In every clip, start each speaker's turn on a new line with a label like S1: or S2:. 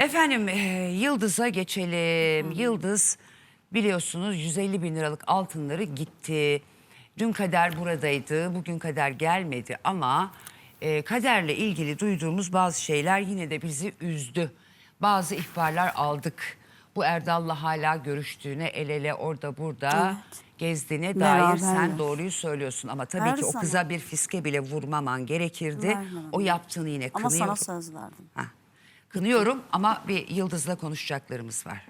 S1: Efendim Yıldız'a geçelim. Yıldız biliyorsunuz 150 bin liralık altınları gitti. Dün Kader buradaydı, bugün Kader gelmedi ama Kader'le ilgili duyduğumuz bazı şeyler yine de bizi üzdü. Bazı ihbarlar aldık. Bu Erdal'la hala görüştüğüne, el ele orada burada gezdiğine dair sen doğruyu söylüyorsun. Ama tabii
S2: Her
S1: ki o
S2: zaman.
S1: kıza bir fiske bile vurmaman gerekirdi.
S2: Vermem.
S1: O yaptığını yine
S2: Ama
S1: kınıyorum.
S2: sana söz verdim.
S1: Heh. Kınıyorum ama bir Yıldız'la konuşacaklarımız var.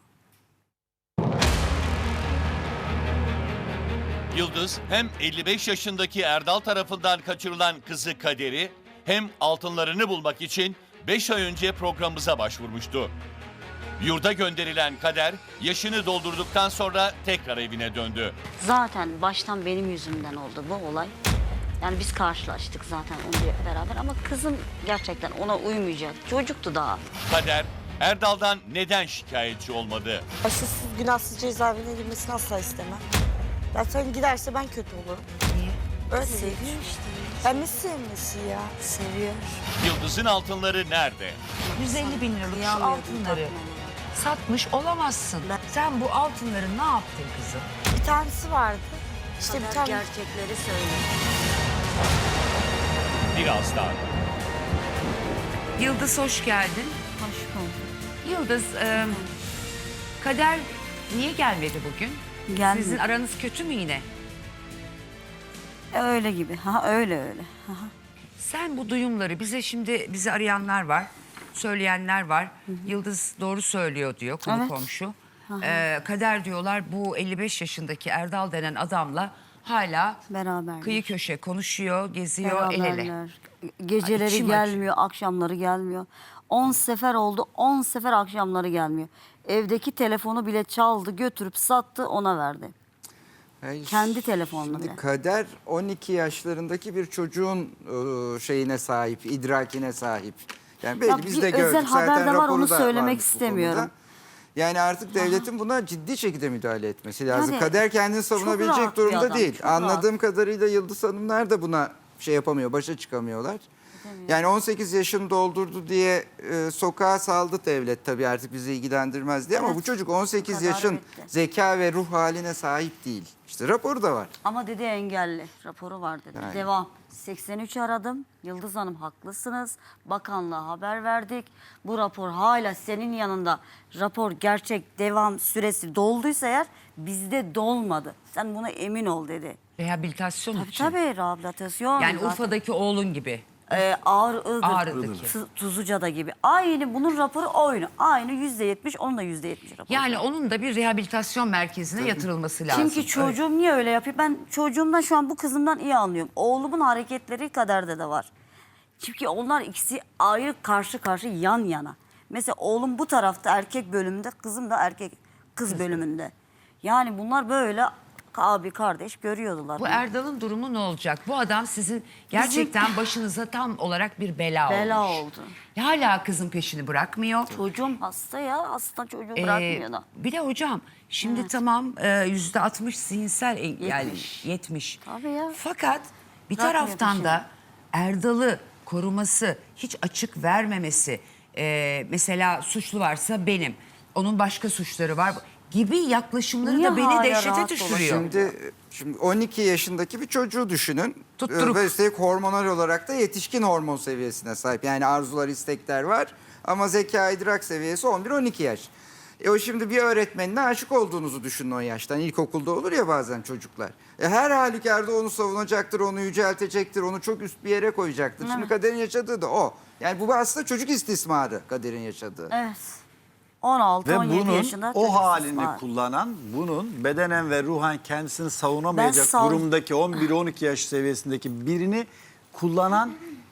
S3: Yıldız hem 55 yaşındaki Erdal tarafından kaçırılan kızı Kader'i hem altınlarını bulmak için 5 ay önce programımıza başvurmuştu. Yurda gönderilen Kader yaşını doldurduktan sonra tekrar evine döndü.
S4: Zaten baştan benim yüzümden oldu bu olay. Yani biz karşılaştık zaten onunla beraber ama kızım gerçekten ona uymayacak. Çocuktu daha.
S3: Kader Erdal'dan neden şikayetçi olmadı?
S5: Aşısız, günahsız cezaevine girmesini asla istemem. Zaten giderse ben kötü olurum.
S2: Niye?
S5: Öyle
S2: Seviyor
S5: değil.
S2: işte.
S5: Ben ne sevmesi ya?
S2: Seviyor.
S3: Yıldız'ın altınları nerede?
S1: 150 bin liralık şu
S4: Kıyamıyorum
S1: altınları
S4: bakmama.
S1: satmış olamazsın. Sen bu altınları ne yaptın kızım?
S5: Bir tanesi vardı. İşte bir
S4: Kader
S5: tane
S4: gerçekleri söyle.
S3: Birazdan.
S1: Yıldız hoş geldin.
S2: Hoş bulduk.
S1: Yıldız, Kader niye gelmedi bugün?
S2: Gelmedi.
S1: Sizin aranız kötü mü yine?
S2: Öyle gibi. Ha öyle. Ha.
S1: Sen bu duyumları bizi arayanlar var, söyleyenler var. Yıldız doğru söylüyor diyor konu
S2: Evet.
S1: komşu. Kader diyorlar bu 55 yaşındaki Erdal denen adamla hala
S2: Beraberler.
S1: kıyı köşe konuşuyor, geziyor el ele.
S2: Beraberler. Geceleri
S1: içim
S2: gelmiyor, akşamları gelmiyor. 10 sefer oldu, 10 sefer akşamları gelmiyor. Evdeki telefonu bile çaldı, götürüp sattı, ona verdi.
S6: Hayır,
S2: Kendi telefonunu
S6: şimdi
S2: bile.
S6: Kader 12 yaşlarındaki bir çocuğun şeyine sahip, idrakine sahip. Yani belli
S2: Ya
S6: biz
S2: bir
S6: de
S2: özel
S6: gördük.
S2: haber
S6: Zaten
S2: de var,
S6: raporu
S2: onu
S6: da
S2: söylemek
S6: varmış bu
S2: istemiyorum.
S6: konuda. Yani artık devletin buna ciddi şekilde müdahale etmesi lazım.
S2: Yani
S6: Kader kendini
S2: çok
S6: savunabilecek
S2: rahat bir
S6: durumda
S2: adam,
S6: değil.
S2: çok
S6: Anladığım kadarıyla Yıldız Hanımlar da buna şey yapamıyor, başa çıkamıyorlar. Yani 18 yaşını doldurdu diye sokağa saldı devlet, tabii artık bizi ilgilendirmez diye. Ama
S2: Evet,
S6: bu çocuk 18
S2: bu kadar
S6: yaşın
S2: bitti.
S6: zeka ve ruh haline sahip değil. İşte raporu da var.
S2: Ama dedi engelli, raporu var dedi.
S6: Yani.
S2: Devam. 83 aradım. Yıldız Hanım haklısınız. Bakanlığa haber verdik. Bu rapor hala senin yanında. Rapor gerçek devam süresi dolduysa eğer bizde dolmadı. Sen buna emin ol dedi.
S1: Rehabilitasyon için.
S2: Tabii rehabilitasyon.
S1: Yani
S2: zaten.
S1: Urfa'daki oğlun gibi.
S2: Ağrı'daki. Tuzluca'da gibi. Aynı bunun raporu aynı. Aynı %70, onun da %70 raporu.
S1: Yani onun da bir rehabilitasyon merkezine yatırılması lazım.
S2: Çünkü çocuğum niye öyle yapıyor? Ben çocuğumdan şu an bu kızımdan iyi anlıyorum. Oğlumun hareketleri Kader'de de var. Çünkü onlar ikisi ayrı karşı karşı yan yana. Mesela oğlum bu tarafta erkek bölümünde, kızım da kız bölümünde. Yani bunlar böyle abi kardeş görüyordular.
S1: Bu Erdal'ın durumu ne olacak? Bu adam sizin gerçekten başınıza tam olarak bir bela olmuş.
S2: oldu.
S1: Hala kızın peşini bırakmıyor.
S2: Çocuğum hasta ya. Hasta çocuğu bırakmıyor da.
S1: Bir de hocam şimdi tamam %60 zihinsel yani 70.
S2: Tabii ya.
S1: Fakat bir
S2: Bırakmıyor
S1: taraftan
S2: peşini.
S1: da Erdal'ı koruması, hiç açık vermemesi, mesela suçlu varsa benim, onun başka suçları var gibi yaklaşımları
S2: Niye
S1: da beni
S2: hala
S1: dehşete
S2: rahat
S1: düşürüyor.
S6: Şimdi 12 yaşındaki bir çocuğu düşünün.
S1: Tutturuk.
S6: Ve üstelik hormonal olarak da yetişkin hormon seviyesine sahip. Yani arzular, istekler var. Ama zeka, idrak seviyesi 11-12 yaş. O şimdi bir öğretmenine aşık olduğunuzu düşünün o yaştan. İlkokulda olur ya bazen çocuklar. Her halükarda onu savunacaktır, onu yüceltecektir, onu çok üst bir yere koyacaktır. Şimdi Kader'in yaşadığı da o. Yani bu aslında çocuk istismarı Kader'in yaşadığı.
S2: Evet. 16-17
S7: Ve bunun
S2: yaşında.
S7: o
S2: çocuk
S7: halini
S2: istismar.
S7: kullanan, bunun bedenen ve ruhen kendisini savunamayacak
S2: Ben
S7: durumdaki 11-12 yaş seviyesindeki birini kullanan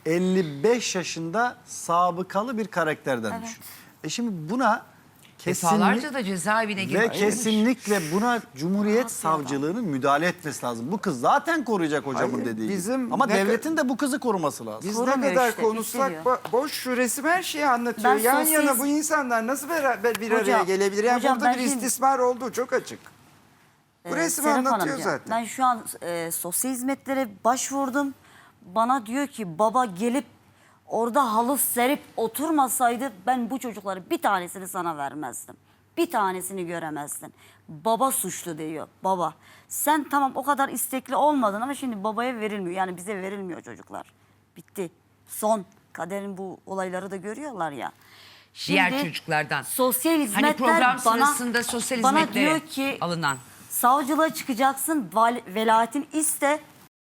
S7: 55 yaşında sabıkalı bir karakterden düşün. Şimdi buna
S1: Defalarca da cezaevine
S7: ve
S1: girmiş.
S7: kesinlikle buna Cumhuriyet Savcılığı'nın müdahale etmesi lazım. Bu kız zaten koruyacak hocamın
S6: Hayır,
S7: dediği gibi.
S6: bizim
S7: Ama
S6: ne
S7: devletin de bu kızı koruması lazım.
S6: Biz
S2: Korumuyor
S6: ne kadar
S2: işte,
S6: konuşsak
S2: bitiriyor.
S6: boş, şu resim her şeyi anlatıyor.
S2: Ben
S6: Yan
S2: sosyal-
S6: yana bu insanlar nasıl beraber bir araya
S2: Hocam,
S6: gelebilir? Yani
S2: hocam
S6: burada
S2: ben
S6: bir
S2: şimdi-
S6: istismar olduğu çok açık. Bu resim
S2: Serap
S6: anlatıyor
S2: Hanımcığım,
S6: zaten.
S2: Ben şu an sosyal hizmetlere başvurdum. Bana diyor ki baba gelip orada halı serip oturmasaydı ben bu çocukları bir tanesini sana vermezdim. Bir tanesini göremezdin. Baba suçlu diyor, baba. Sen tamam o kadar istekli olmadın ama şimdi babaya verilmiyor. Yani bize verilmiyor çocuklar. Bitti. Son. Kader'in bu olayları da görüyorlar ya.
S1: Diğer
S2: Şimdi
S1: çocuklardan.
S2: Sosyal hizmetler
S1: Hani program
S2: bana,
S1: sırasında sosyal
S2: bana
S1: hizmetlere
S2: diyor ki
S1: alınan.
S2: savcılığa çıkacaksın, velayetini iste.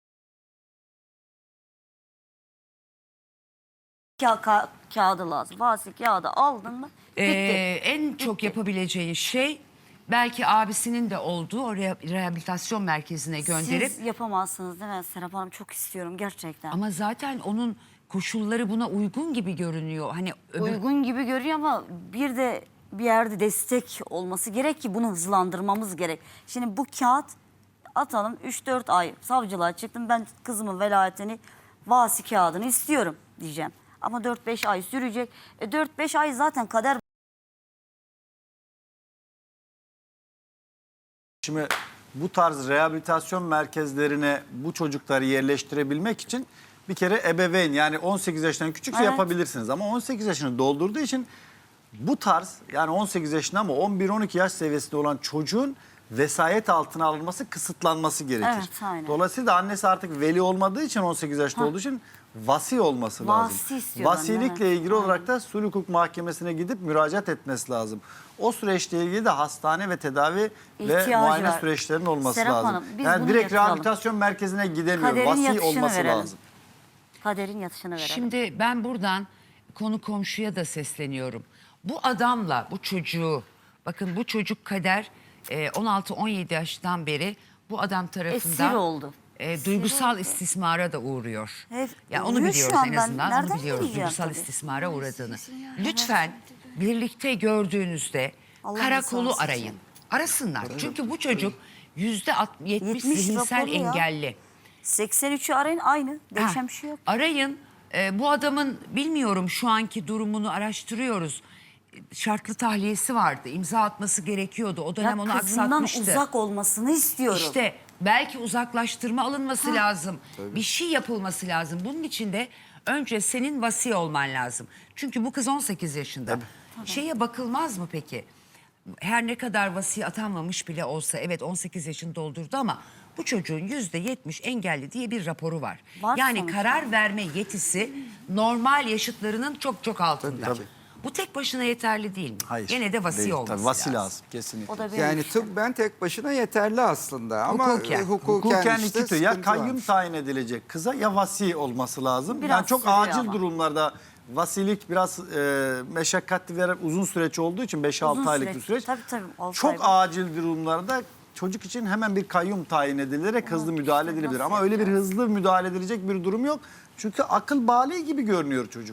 S2: Kağıdı lazım. Vasi kağıdı aldın mı? Bitti.
S1: En çok yapabileceğin şey belki abisinin de olduğu o rehabilitasyon merkezine gönderip
S2: Siz yapamazsınız değil mi Serap Hanım? Çok istiyorum gerçekten.
S1: ama zaten onun koşulları buna uygun gibi görünüyor. Hani
S2: Uygun gibi görüyor ama bir de bir yerde destek olması gerek ki bunu hızlandırmamız gerek. Şimdi bu kağıt atalım 3-4 ay savcılığa çıktım, ben kızımın velayetini, vasi kağıdını istiyorum diyeceğim. Ama 4-5 ay sürecek. 4-5 ay zaten kader.
S7: Şimdi bu tarz rehabilitasyon merkezlerine bu çocukları yerleştirebilmek için bir kere ebeveyn, yani 18 yaşından küçükse
S2: Evet.
S7: yapabilirsiniz. Ama 18 yaşını doldurduğu için bu tarz, yani 18 yaşında ama 11-12 yaş seviyesinde olan çocuğun vesayet altına alınması, kısıtlanması gerekir.
S2: Evet, aynen.
S7: Dolayısıyla annesi artık veli olmadığı için, 18 yaşında olduğu için vasi olması lazım.
S2: Vasi istiyor
S7: Vasilikle
S2: anne,
S7: ilgili olarak da sulh hukuk mahkemesine gidip müracaat etmesi lazım. O süreçle ilgili de hastane ve tedavi ve
S2: İhtiyacı
S7: muayene
S2: var.
S7: süreçlerinin olması
S2: Serap
S7: lazım.
S2: Hanım, biz
S7: Yani
S2: bunu
S7: direkt
S2: yatıralım.
S7: rehabilitasyon merkezine gidemiyor.
S2: Kaderin
S7: Vasi
S2: yatışını
S7: olması
S2: verelim.
S7: lazım.
S2: Kaderin yatışını verelim.
S1: şimdi ben buradan konu komşuya da sesleniyorum. Bu adamla bu çocuğu, bakın bu çocuk Kader 16-17 yaştan beri bu adam tarafından
S2: Esir oldu.
S1: Duygusal istismara da uğruyor.
S2: Evet,
S1: Ya onu
S2: uğruyor şu
S1: biliyoruz
S2: an.
S1: en
S2: Ben
S1: azından.
S2: nereden
S1: Onu biliyoruz.
S2: bileceğim
S1: Duygusal
S2: tabii.
S1: istismara uğradığını. Lütfen birlikte gördüğünüzde
S2: Allah
S1: karakolu
S2: rızası
S1: arayın.
S2: için.
S1: Arasınlar. Çünkü bu çocuk %70
S2: 70
S1: zihinsel
S2: raporu ya.
S1: engelli.
S2: 83'ü arayın, aynı. Değişen
S1: Ha,
S2: bir şey yok.
S1: arayın. Bu adamın bilmiyorum şu anki durumunu araştırıyoruz. Şartlı tahliyesi vardı. İmza atması gerekiyordu. O dönem onu
S2: Ya kızından
S1: aksatmıştı.
S2: uzak olmasını istiyorum.
S1: İşte belki uzaklaştırma alınması lazım. Bir şey yapılması lazım. Bunun için de önce senin vasi olman lazım. Çünkü bu kız 18 yaşında. Şeye bakılmaz mı peki? Her ne kadar vasi atanmamış bile olsa, evet 18 yaşını doldurdu ama bu çocuğun %70 engelli diye bir raporu var.
S2: Var
S1: Yani
S2: sonuçta.
S1: karar verme yetisi normal yaşıtlarının çok çok altında.
S7: Tabii.
S1: Bu tek başına yeterli değil mi?
S7: Hayır.
S1: Gene de vasi
S7: değil.
S1: olması
S7: Tabii, vasi
S1: lazım.
S7: lazım. Kesinlikle.
S2: O da benim
S6: Yani
S2: işte.
S6: tıbben tek başına yeterli aslında ama
S1: Hukuken.
S6: hukuken işte
S7: iki tür. Ya
S6: sıkıntı
S7: kayyum
S6: var.
S7: tayin edilecek kıza ya vasi olması lazım.
S2: Biraz
S7: Yani çok
S2: sürüyor
S7: acil
S2: ama.
S7: durumlarda vasilik biraz meşakkatli ve uzun süreç olduğu için 5-6
S2: Uzun
S7: aylık bir süreç.
S2: Tabii, 6
S7: Çok
S2: ay var.
S7: acil durumlarda çocuk için hemen bir kayyum tayin edilerek hızlı müdahale edilebilir.
S2: nasıl
S7: Ama öyle bir
S2: yapacağız?
S7: hızlı müdahale edilecek bir durum yok. Çünkü akıl bali gibi görünüyor çocuk.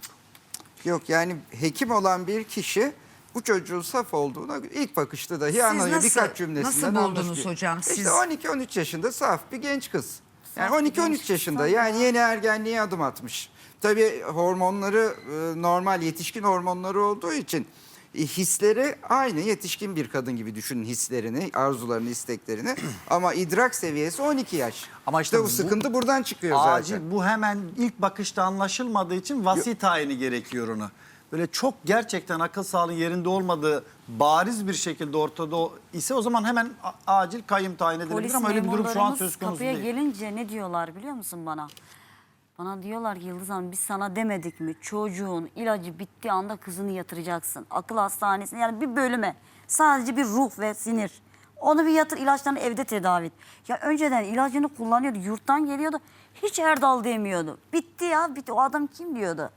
S6: Yok yani hekim olan bir kişi bu çocuğun saf olduğuna ilk bakışta dahi anlıyor.
S1: nasıl-
S6: Birkaç cümlesinden
S1: nasıl buldunuz
S6: anlaşılıyor.
S1: hocam?
S6: İşte
S1: Siz-
S6: 12-13 yaşında saf bir genç kız. Yani
S2: Saf bir genç
S6: 12-13
S2: kız
S6: yaşında
S2: tabii
S6: yani
S2: ya.
S6: yeni ergenliğe adım atmış. Tabii hormonları normal yetişkin hormonları olduğu için hisleri aynı yetişkin bir kadın gibi düşünün hislerini, arzularını, isteklerini. Ama idrak seviyesi 12 yaş.
S7: Ama işte
S6: bu
S7: bu
S6: sıkıntı buradan çıkıyor
S7: Acil,
S6: zaten.
S7: bu hemen ilk bakışta anlaşılmadığı için vasi tayini gerekiyor ona. Böyle çok gerçekten akıl sağlığı yerinde olmadığı bariz bir şekilde ortada ise o zaman hemen acil kayyum tayin edilebilir
S2: Polis
S7: ama öyle bir durum şu an
S2: memurlarımız
S7: söz konusu
S2: kapıya
S7: değil.
S2: gelince ne diyorlar biliyor musun bana? Bana diyorlar ki Yıldız Hanım biz sana demedik mi? Çocuğun ilacı bittiği anda kızını yatıracaksın. Akıl hastanesine yani bir bölüme. Sadece bir ruh ve sinir. Onu bir yatır, ilaçlarını evde tedavi et. Ya önceden ilacını kullanıyordu, yurttan geliyordu. Hiç Erdal demiyordu. Bitti ya, bitti. O adam kim diyordu?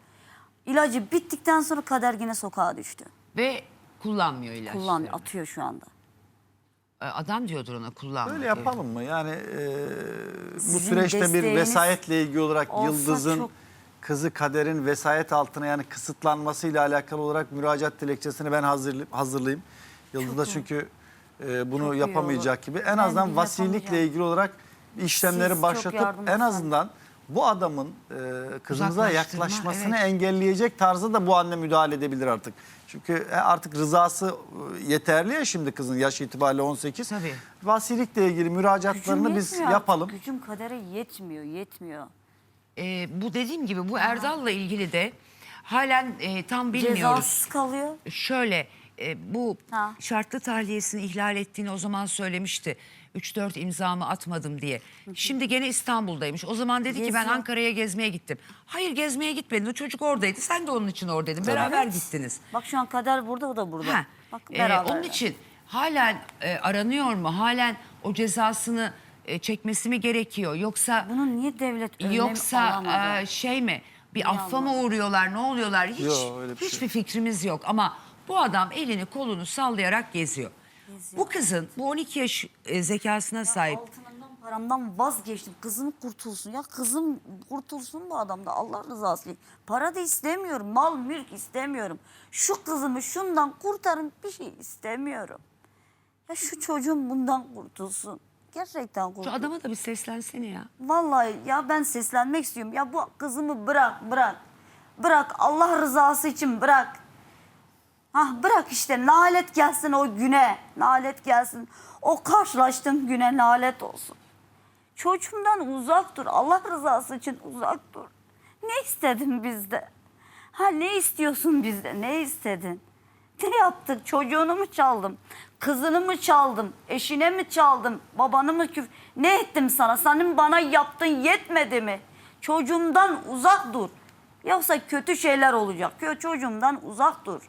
S2: İlacı bittikten sonra Kader yine sokağa düştü.
S1: Ve kullanmıyor ilaçları.
S2: Kullanıyor, atıyor şu anda.
S1: Adam diyordur ona kullanma.
S7: Böyle
S1: diye.
S7: yapalım mı? Yani bu
S2: Sizin
S7: süreçte bir
S2: desteğiniz
S7: vesayetle ilgili olarak
S2: olsa
S7: Yıldız'ın
S2: çok-
S7: kızı Kader'in vesayet altına yani kısıtlanmasıyla alakalı olarak müracaat dilekçesini ben hazırlayayım. Yıldız da çünkü bunu
S2: Çok iyi
S7: yapamayacak
S2: olur.
S7: gibi. En
S2: Ben
S7: azından
S2: de
S7: vasilikle
S2: yapamayacağım.
S7: ilgili olarak işlemleri
S2: Siz çok
S7: başlatıp
S2: yardım
S7: en
S2: etsen.
S7: azından bu adamın kızımıza
S1: Uzaklaştırma,
S7: yaklaşmasını
S1: evet.
S7: engelleyecek tarzda da bu anne müdahale edebilir artık. Çünkü artık rızası yeterli ya şimdi kızın yaş itibariyle 18.
S1: Tabii.
S7: Vasilikle ilgili müracaatlarını
S2: Gücüm
S7: biz
S2: yetmiyor
S7: yapalım.
S2: artık. Gücüm Kader'e yetmiyor, yetmiyor.
S1: Bu dediğim gibi bu Erdal'la ilgili de Halen tam bilmiyoruz.
S2: Cezasız kalıyor.
S1: Şöyle bu
S2: Ha.
S1: şartlı tahliyesini ihlal ettiğini o zaman söylemişti. 3-4 imzamı atmadım diye. Şimdi gene İstanbul'daymış. O zaman dedi ki ben
S2: Geziyor.
S1: Ankara'ya gezmeye gittim. Hayır, gezmeye gitmedin. O çocuk oradaydı. Sen de onun için oradaydın. Beraber
S2: Evet.
S1: gittiniz.
S2: Bak şu an Kader burada, o da burada.
S1: Ha.
S2: Bak beraber.
S1: Onun için halen aranıyor mu? Halen o cezasını çekmesi mi gerekiyor? Yoksa
S2: Bunu niye devlet önlem
S1: yoksa
S2: alamadı?
S1: şey mi? Bir affa mı uğruyorlar? Ne oluyorlar? Hiç
S7: Yok, öyle bir
S1: hiçbir fikrimiz yok. Ama bu adam elini kolunu sallayarak geziyor. Bu kızın bu 12 yaş zekasına sahip.
S2: Altınımdan, paramdan vazgeçtim. Kızım kurtulsun. Ya kızım kurtulsun bu adamda. Allah rızası için. Para da istemiyorum. Mal mülk istemiyorum. Şu kızımı şundan kurtarın, bir şey istemiyorum. Ya şu çocuğum bundan kurtulsun. Gerçekten
S1: Şu
S2: kurtulsun.
S1: adama da bir seslensene ya.
S2: Vallahi ya ben seslenmek istiyorum. Ya bu kızımı bırak, bırak. Bırak, Allah rızası için bırak. Bırak işte, nalet gelsin o güne. Nalet gelsin. O karşılaştığım güne lanet olsun. Çocuğumdan uzak dur. Allah rızası için uzak dur. Ne istedin bizde? Ne istiyorsun bizde? Ne istedin? Ne yaptık? Çocuğunu mu çaldım? Kızını mı çaldım? Eşine mi çaldım? Babanı mı Ne ettim sana? Senin bana yaptığın yetmedi mi? Çocuğumdan uzak dur. Yoksa kötü şeyler olacak. Çocuğumdan uzak dur.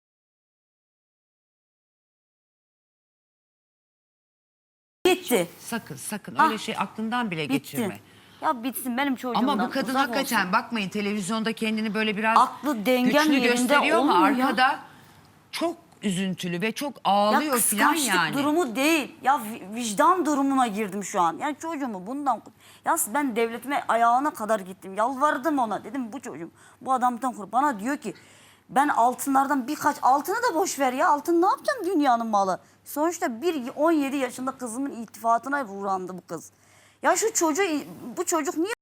S2: Gitti.
S1: Sakın
S2: Ah,
S1: öyle şey aklından bile geçirme.
S2: Bitti. Ya bitsin benim çocuğumdan.
S1: Ama bu kadın
S2: uzak
S1: hakikaten
S2: olsun.
S1: bakmayın, televizyonda kendini böyle biraz
S2: Aklı dengem
S1: güçlü
S2: yerinde
S1: gösteriyor ama
S2: olmuyor ya.
S1: arkada çok üzüntülü ve çok
S2: Ya
S1: ağlıyor falan
S2: kıskançlık
S1: yani.
S2: durumu değil. Ya vicdan durumuna girdim şu an. Yani çocuğumu bundan... Ya ben devletime ayağına kadar gittim. Yalvardım ona. Dedim bu çocuğum bu adamdan kur. Bana diyor ki ben altınlardan altını da boş ver ya. Altın ne yapacağım, dünyanın malı. Sonuçta 17 yaşında kızımın iltifatına uğrandı bu kız. Ya bu çocuk niye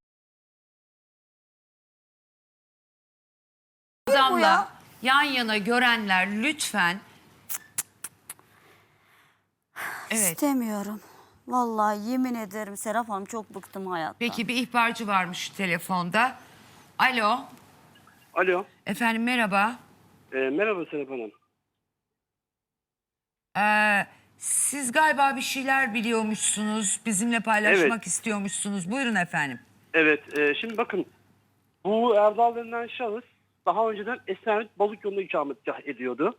S2: bu
S1: Adamla
S2: ya?
S1: yan yana görenler lütfen. Evet.
S2: İstemiyorum. Vallahi yemin ederim Serap Hanım, çok bıktım hayattan.
S1: Peki bir ihbarcı varmış telefonda. Alo.
S8: Alo.
S1: Efendim merhaba.
S8: Merhaba Serap Hanım.
S1: Siz galiba bir şeyler biliyormuşsunuz. Bizimle paylaşmak
S8: Evet.
S1: istiyormuşsunuz. Buyurun efendim.
S8: Evet, şimdi bakın. Bu Erdal denilen şahıs daha önceden Esenyurt Balık Yolu'nda ikametgah ediyordu.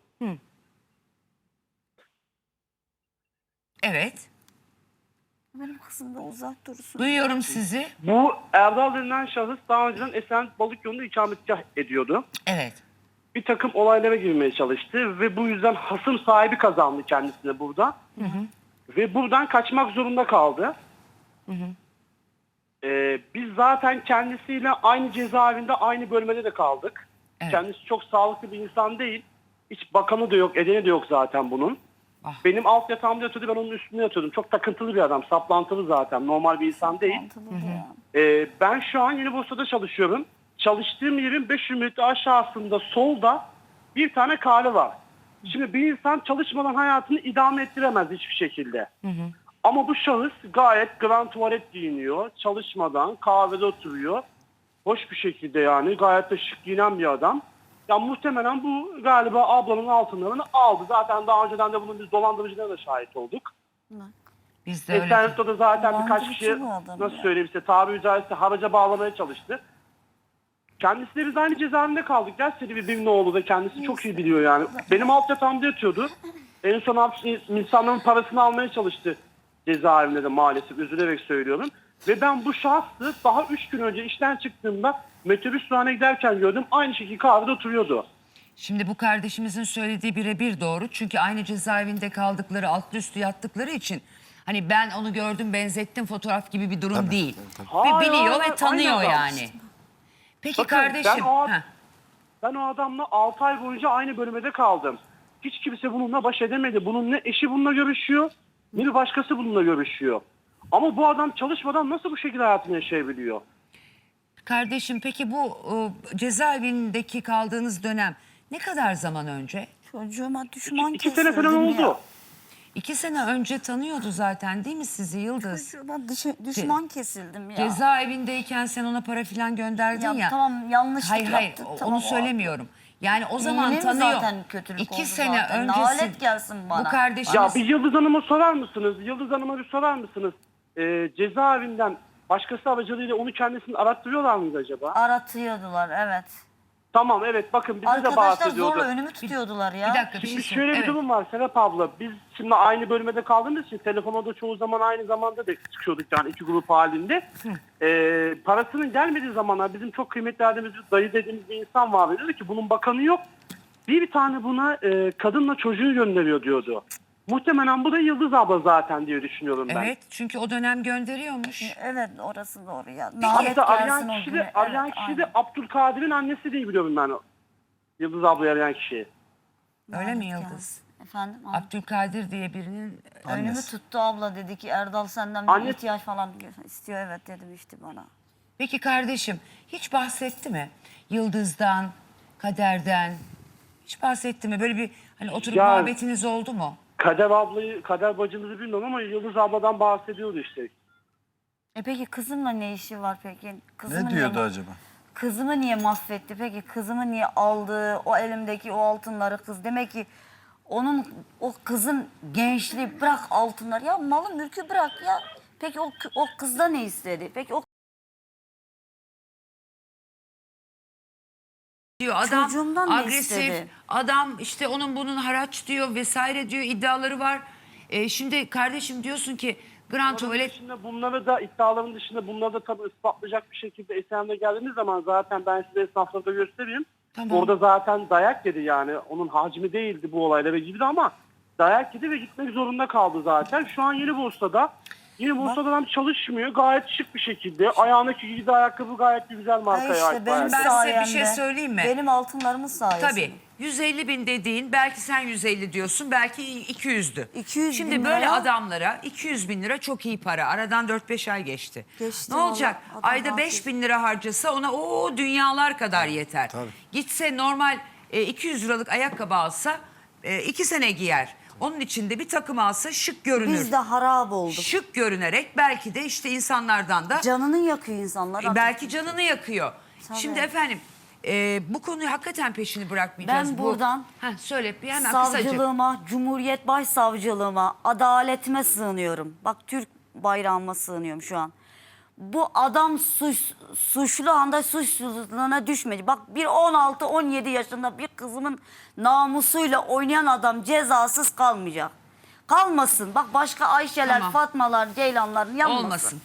S1: Evet.
S2: Benim kızım da uzak dursun.
S1: Duyuyorum sizi.
S8: Bu Erdal denilen şahıs daha önceden Esenyurt Balık Yolu'nda ikametgah ediyordu.
S1: Evet.
S8: Bir takım olaylara girmeye çalıştı ve bu yüzden hasım sahibi kazandı kendisine burada. Ve buradan kaçmak zorunda kaldı. Biz zaten kendisiyle aynı cezaevinde, aynı bölmede de kaldık.
S1: Evet.
S8: Kendisi çok sağlıklı bir insan değil. Hiç bakanı da yok, edeni de yok zaten bunun.
S1: Ah.
S8: Benim alt yatağımda yatıyordu, ben onun üstünde yatıyordum. Çok takıntılı bir adam, saplantılı zaten. Normal bir insan değil. Ben şu an Yenibursa'da çalışıyorum. Çalıştığım yerin 500 metre aşağısında solda bir tane kahve var. Şimdi bir insan çalışmadan hayatını idame ettiremez hiçbir şekilde. Ama bu şahıs gayet grand tuvalet giyiniyor. Çalışmadan kahvede oturuyor. Hoş bir şekilde yani. Gayet de şık giyinen bir adam. Ya muhtemelen bu galiba ablanın altınlarını aldı. Zaten daha önceden de bunun biz dolandırıcılarına da şahit olduk.
S1: Biz de öyle.
S8: Esenyurt'ta da zaten birkaç
S2: Dolandırıcı
S8: kişi
S2: bu adam
S8: nasıl
S2: ya.
S8: söyleyeyim size tabiri caizse haraca bağlamaya çalıştı. Kendisiyle biz aynı cezaevinde kaldık. Gerçekten birbirimle oldu da kendisi çok iyi biliyor yani. Benim alt yatağımda yatıyordu. En son insanların parasını almaya çalıştı cezaevinde de maalesef, üzülerek söylüyorum. Ve ben bu şahsı daha 3 gün önce işten çıktığımda metrobüs durağına giderken gördüm. Aynı şekilde kahvede oturuyordu.
S1: Şimdi bu kardeşimizin söylediği birebir doğru. Çünkü aynı cezaevinde kaldıkları, altlı üstü yattıkları için hani ben onu gördüm, benzettim fotoğraf gibi bir durum değil.
S8: Hayır,
S1: Biliyor
S8: hayır,
S1: ve tanıyor
S8: aynı adam.
S1: yani. Peki
S8: Bakın,
S1: kardeşim.
S8: ben o adamla 6 ay boyunca aynı bölmede kaldım. Hiç kimse bununla baş edemedi. Bunun ne eşi bununla görüşüyor, ne bir başkası bununla görüşüyor. Ama bu adam çalışmadan nasıl bu şekilde hayatını yaşayabiliyor?
S1: Kardeşim peki bu cezaevindeki kaldığınız dönem ne kadar zaman önce?
S2: Çocuğuma düşman
S8: 2 sene falan
S2: kesildim
S8: oldu.
S2: ya.
S1: 2 sene önce tanıyordu zaten değil mi sizi Yıldız?
S2: Ben düşman kesildim ya.
S1: Cezaevindeyken sen ona para filan gönderdin ya.
S2: Tamam, yanlışlık
S1: Hayır
S2: yaptık, tamam,
S1: onu
S2: o
S1: söylemiyorum. Yani o zaman
S2: Benim
S1: tanıyor.
S2: zaten kötülük
S1: 2
S2: oldu
S1: sene
S2: zaten.
S1: öncesi
S2: Lanet gelsin bana.
S1: bu kardeşiniz...
S8: Ya bir Yıldız Hanım'a sorar mısınız? Yıldız Hanım'a bir sorar mısınız? Cezaevinden başkası aracılığıyla onu kendisini arattırıyorlar mıydı acaba?
S2: Aratıyordular, evet.
S8: Tamam, evet, bakın bize de
S2: Arkadaşlar
S8: bahsediyordu.
S2: zorla önümü tutuyordular ya.
S1: Bir dakika bir şey
S8: Şimdi
S1: söyle.
S8: şöyle bir
S1: Evet.
S8: durum var Serap abla. Biz şimdi aynı bölmede kaldığımız için telefonda çoğu zaman aynı zamanda da çıkıyorduk yani iki grup halinde. Parasının gelmediği zamanlar bizim çok kıymetli verdiğimiz bir dayı dediğimiz bir insan vardı. Dedi ki bunun bakanı yok. Bir tane buna kadınla çocuğu gönderiyor diyordu. Muhtemelen bu da Yıldız abla zaten diye düşünüyorum ben.
S1: Evet çünkü o dönem gönderiyormuş.
S2: Evet, orası doğru ya.
S8: Hatta
S2: Lanet gelsin
S8: arayan
S2: o
S8: kişi
S2: güne.
S8: de, arayan
S2: Evet,
S8: kişi de
S2: aynen.
S8: Abdülkadir'in annesi diye biliyorum ben. Yıldız abla arayan kişi.
S1: Öyle mi
S2: Lanet
S1: Yıldız?
S2: gelsin. Efendim?
S1: Abdülkadir diye birinin
S2: Önümü
S1: annesi.
S2: tuttu abla, dedi ki Erdal senden
S8: Anne-
S2: bir ihtiyaç falan istiyor. Evet dedim işte bana.
S1: Peki kardeşim hiç bahsetti mi? Yıldız'dan, Kader'den hiç bahsetti mi? Böyle bir hani oturup
S8: Ya-
S1: muhabbetiniz oldu mu?
S8: Kader bacımızı bilmiyorum ama Yıldız abladan bahsediyordu işte.
S2: Peki kızımla ne işi var peki? Kızımı
S7: Ne diyordu
S2: niye,
S7: acaba?
S2: Kızımı niye mahvetti? Peki kızımı niye aldı? O elimdeki o altınları kız. Demek ki o kızın gençliği, bırak altınları ya, malı mülkü bırak ya. Peki o kızda ne istedi? Peki o
S1: Diyor adam
S2: Çocuğumdan ne
S1: agresif,
S2: istedi?
S1: adam işte onun bunun haraç diyor vesaire diyor iddiaları var. Şimdi kardeşim diyorsun ki Grand Tuvalet
S8: Dışında bunları da iddiaların dışında bunları da tabii ispatlayacak bir şekilde Esen'de geldiğimiz zaman zaten ben size esnaflarda göstereyim.
S1: Tamam.
S8: Orada zaten dayak yedi yani. Onun hacmi değildi bu olayla ve gibi de ama dayak yedi ve gitmek zorunda kaldı zaten. Şu an Yeni Bursa'da adam çalışmıyor. Gayet şık bir şekilde. Ayağındaki giydiği ayakkabı gayet güzel markaya
S2: işte
S8: ait.
S2: benim
S8: bayağı.
S1: Ben size bir
S2: sayemde.
S1: şey söyleyeyim mi?
S2: Benim altınlarımın sayesinde.
S1: Tabii 150 bin dediğin belki sen 150 diyorsun belki 200'dü.
S2: 200
S1: Şimdi
S2: bin
S1: böyle
S2: lira.
S1: adamlara 200 bin lira çok iyi para. Aradan 4-5 ay geçti.
S2: Geçti
S1: Ne olacak?
S2: vallahi, adam
S1: Ayda 5 bin lira harcasa ona o dünyalar kadar yeter. Gitse normal 200 liralık ayakkabı alsa 2 sene giyer. Onun içinde bir takım alsa şık görünür.
S2: Biz de harap olduk.
S1: Şık görünerek belki de işte insanlardan da
S2: Canını yakıyor insanlar.
S1: belki canını yakıyor.
S2: Tabii.
S1: Şimdi efendim bu konuyu hakikaten peşini bırakmayacağız.
S2: Ben buradan
S1: söyle bir hemen kısacık.
S2: savcılığıma, Cumhuriyet Başsavcılığıma, adaletime sığınıyorum. Bak Türk bayrağıma sığınıyorum şu an. Bu adam suçlu anda suçsuzluğuna düşmedi. Bak bir 16-17 yaşında bir kızımın namusuyla oynayan adam cezasız kalmayacak. Kalmasın. Bak başka Ayşeler,
S1: Tamam.
S2: Fatmalar, Ceylanlar yanmasın.
S1: Olmasın.